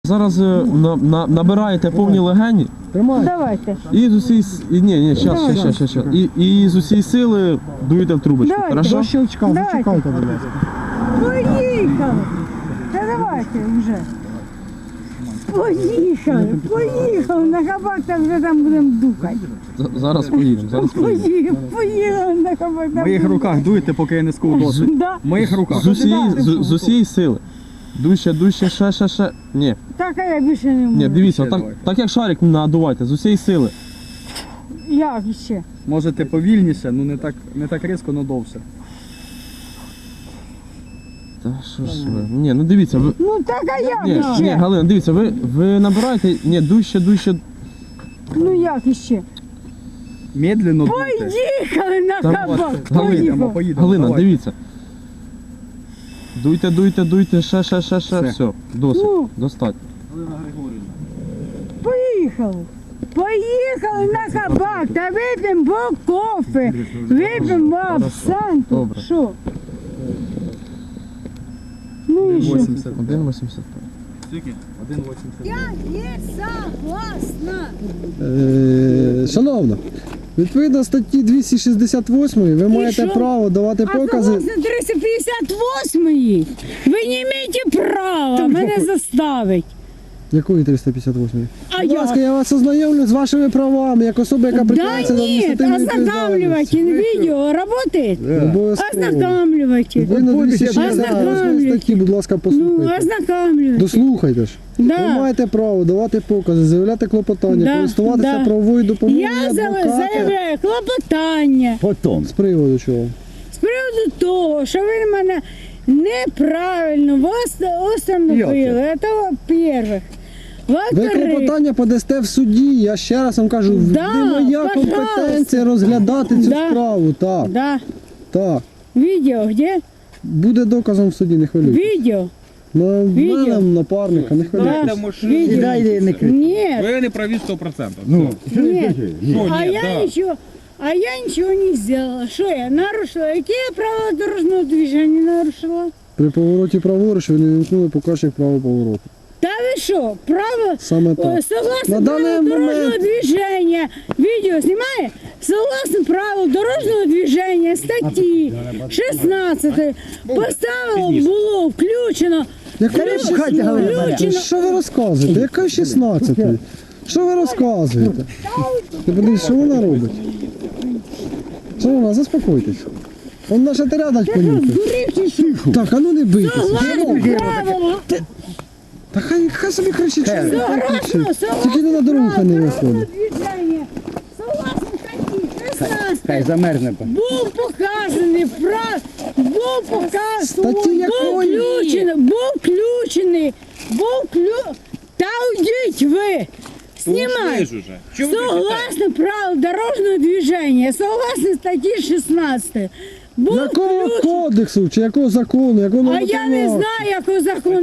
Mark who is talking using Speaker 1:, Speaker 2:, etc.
Speaker 1: Зараз набираєте повні легені.
Speaker 2: Давайте.
Speaker 1: І з усієї щас. І з усієї сили дуєте в трубочку.
Speaker 2: Давайте.
Speaker 1: Хорошо?
Speaker 3: До щелчка,
Speaker 2: Давайте.
Speaker 3: зачекайте, будь ласка.
Speaker 2: Поїхали. Та давайте вже. Поїхали. На хабак там вже там будемо духати.
Speaker 1: Зараз поїдемо.
Speaker 2: Поїхали на хабак.
Speaker 3: В моїх руках дуйте, поки я не скув досить.
Speaker 2: Да.
Speaker 3: В моїх руках.
Speaker 1: З усієї сили. Дужче, ще. Ні.
Speaker 2: Так, а я більше не можу.
Speaker 1: Ні, дивіться,
Speaker 2: Ну.
Speaker 1: так як шарик надувайте, з усієї сили.
Speaker 2: Як ще?
Speaker 3: Можете повільніше, ну не так різко, але довше.
Speaker 1: Та що ж ви? Ні, ну дивіться, ви.
Speaker 2: Ну так, а як
Speaker 1: Ні,
Speaker 2: ще?
Speaker 1: Галина, дивіться, ви набираєте, дужче.
Speaker 2: Ну як іще?
Speaker 3: Медленно дуйте.
Speaker 2: Поїхали на
Speaker 1: Та
Speaker 2: хабак.
Speaker 3: Поїдемо.
Speaker 1: Галина,
Speaker 3: давай.
Speaker 1: дивіться. Дуйте, ще. Все, досить,
Speaker 2: Ну.
Speaker 1: достатньо.
Speaker 2: Поїхали на хабак та вип'ємо бо кофе, вип'ємо абсанту.
Speaker 1: Добре.
Speaker 2: Що? Ну і що?
Speaker 3: 80.
Speaker 1: 1,85.
Speaker 3: Скільки? 1,80.
Speaker 2: Я не согласна.
Speaker 4: Шановна, відповідно статті 268 ви маєте
Speaker 2: що?
Speaker 4: право давати
Speaker 2: А
Speaker 4: покази.
Speaker 2: согласно 358-ї, ви не маєте права мене заставити.
Speaker 4: Якої 358?
Speaker 2: А
Speaker 4: Будь ласка,
Speaker 2: я?
Speaker 4: я вас ознайомлю з вашими правами, як особа, яка
Speaker 2: Да
Speaker 4: притягується до
Speaker 2: нет,
Speaker 4: адміністративної
Speaker 2: ознакомливайте,
Speaker 4: відповідальності.
Speaker 2: видео работает?
Speaker 4: Обов'язково.
Speaker 2: Ознакомливайте.
Speaker 4: Відповідно 268 статті, будь ласка,
Speaker 2: Ну,
Speaker 4: послухайте.
Speaker 2: ознакомливайте.
Speaker 4: Дослухайте ж. Ви
Speaker 2: Да.
Speaker 4: маєте право давати покази, заявляти клопотання,
Speaker 2: Да,
Speaker 4: користуватися
Speaker 2: да.
Speaker 4: правовою допомогою
Speaker 2: Я
Speaker 4: адвоката.
Speaker 2: заявляю клопотання
Speaker 4: З приводу чого?
Speaker 2: з приводу того, що ви мене неправильно установили. Це во-первых.
Speaker 4: Ви
Speaker 2: Во-вторых,
Speaker 4: клопотання подасте в суді, я ще раз вам кажу,
Speaker 2: Да,
Speaker 4: не моя
Speaker 2: пожалуйста.
Speaker 4: компетенція розглядати цю
Speaker 2: Да.
Speaker 4: справу. Так,
Speaker 2: да,
Speaker 4: так.
Speaker 2: видео где?
Speaker 4: Буде доказом в суді, не хвилюйтесь.
Speaker 2: Видео?
Speaker 4: На
Speaker 2: Відео.
Speaker 4: мене, напарника, не хвилюйтесь.
Speaker 2: Да. Видео. Нет,
Speaker 5: Ви не праві 100%.
Speaker 2: нет.
Speaker 5: Що
Speaker 2: А
Speaker 5: ні,
Speaker 2: я
Speaker 5: да.
Speaker 2: ничего. А я ничего не сделала. Что я нарушила? Какие правила дорожного движения нарушила?
Speaker 4: При повороті праворуч ви не вимкнули показчик правого повороту.
Speaker 2: Да вы что, право,
Speaker 4: Саме так.
Speaker 2: согласно
Speaker 4: На даний
Speaker 2: правилу дорожного
Speaker 4: момент-
Speaker 2: движения, видео снимай, согласно правилу дорожного движения, статьи 16, поставило, було включено,
Speaker 4: Що ви розказуєте? Яка 16? Що ви розказуєте? Ти подивись, що вона робить? Шановна, заспокойтесь. Он наша рядать понюхай.
Speaker 2: Дурите, що?
Speaker 4: Так, а ну не бийтеся.
Speaker 2: Согласно правилу,
Speaker 4: Та хай собі кричить, що ви кричить.
Speaker 2: согласно
Speaker 4: Тільки не на дорогу хай не
Speaker 2: правилу
Speaker 4: виходить.
Speaker 2: дорожного движения, согласно статті 16,
Speaker 6: Хай замерзне.
Speaker 2: був показаний
Speaker 4: Статті якої?
Speaker 2: Та уйдіть ви! Знімай!
Speaker 5: Ж уже. Чого ви
Speaker 2: Согласно правил дорожного движения, согласно статті 16, був
Speaker 4: Якого
Speaker 2: включений.
Speaker 4: кодексу чи якого закону, якого
Speaker 2: А я не
Speaker 4: нормативного акту?
Speaker 2: знаю, якого закону.